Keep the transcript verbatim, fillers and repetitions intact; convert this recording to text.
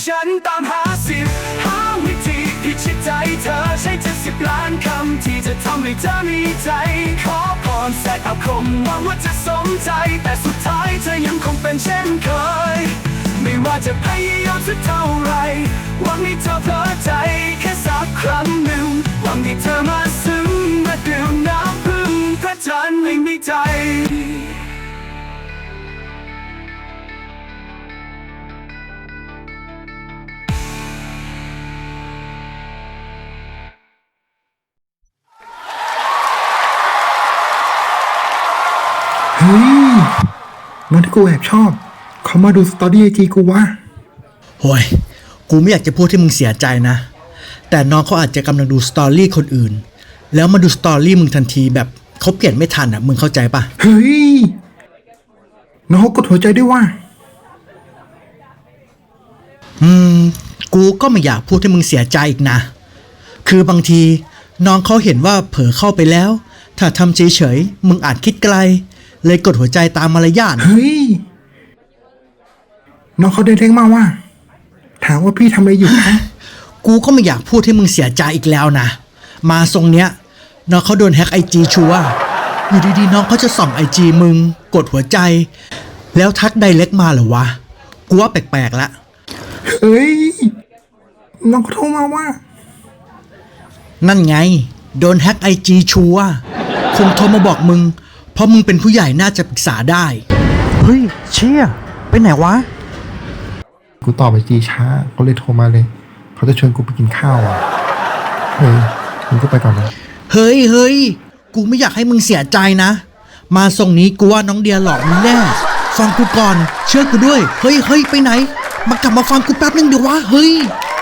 ฉันตามหาสิบหาวิธีพิชิตใจเธอใช้เจ็ดสิบล้านคำที่จะทำให้เธอมีใจขอพรแสกอาคมหวังว่าจะสมใจแต่สุดท้ายเธอยังคงเป็นเช่นเคยไม่ว่าจะพยายามสักเท่าไรหวังให้เธอเพลิดใจแค่สักครั้งหนึ่งหวังให้เธอมาซึ้งมาดื่มน้ำพึ่งพระจันทร์ไม่มีใจเฮ้ยน้องที่กูแอบชอบเขามาดูสตอรี่ไอจีกูวะโว้ยกูไม่อยากจะพูดให้มึงเสียใจนะแต่น้องเขาอาจจะกำลังดูสตอรี่คนอื่นแล้วมาดูสตอรี่มึงทันทีแบบเขาเปลี่ยนไม่ทันอ่ะมึงเข้าใจปะเฮ้ยน้องกดหัวใจด้วยวะอืมกูก็ไม่อยากพูดให้มึงเสียใจอีกนะคือบางทีน้องเขาเห็นว่าเผลอเข้าไปแล้วถ้าทำเฉยๆมึงอาจคิดไกลเลยกดหัวใจตามมารยาทเฮ้ยน้องเขาเดินเร่งมาว่าถามว่าพี่ทำอะไรอยู่คะกูก็ไม่อยากพูดให้มึงเสียใจอีกแล้วนะมาทรงเนี้ยน้องเขาโดนแฮ็กไอจีชัวร์อยู่ดีๆน้องเขาจะส่องไอจีมึงกดหัวใจแล้วทักไดเรกมาเหรอวะกูว่าแปลกๆละเฮ้ยน้องเขาโทรมาว่านั่นไงโดนแฮ็กไอจีชัวร์คงโทรมาบอกมึงเพราะมึงเป็นผู้ใหญ่น่าจะปรึกษาได้เฮ้ยเชี่ยไปไหนวะกูตอบไอจีช้าเขาเลยโทรมาเลยเขาจะชวนกูไปกินข้าวอ่ะเฮ้ยมึงก็ไปก่อนนะเฮ้ยเฮ้ยกูไม่อยากให้มึงเสียใจนะมาส่งนี้กูว่าน้องเดียหลอกมึงแน่ฟังกูก่อนเชื่อกูด้วยเฮ้ยเฮ้ยไปไหนมากลับมาฟังกูแป๊บนึงเดี๋ยววะเฮ้ย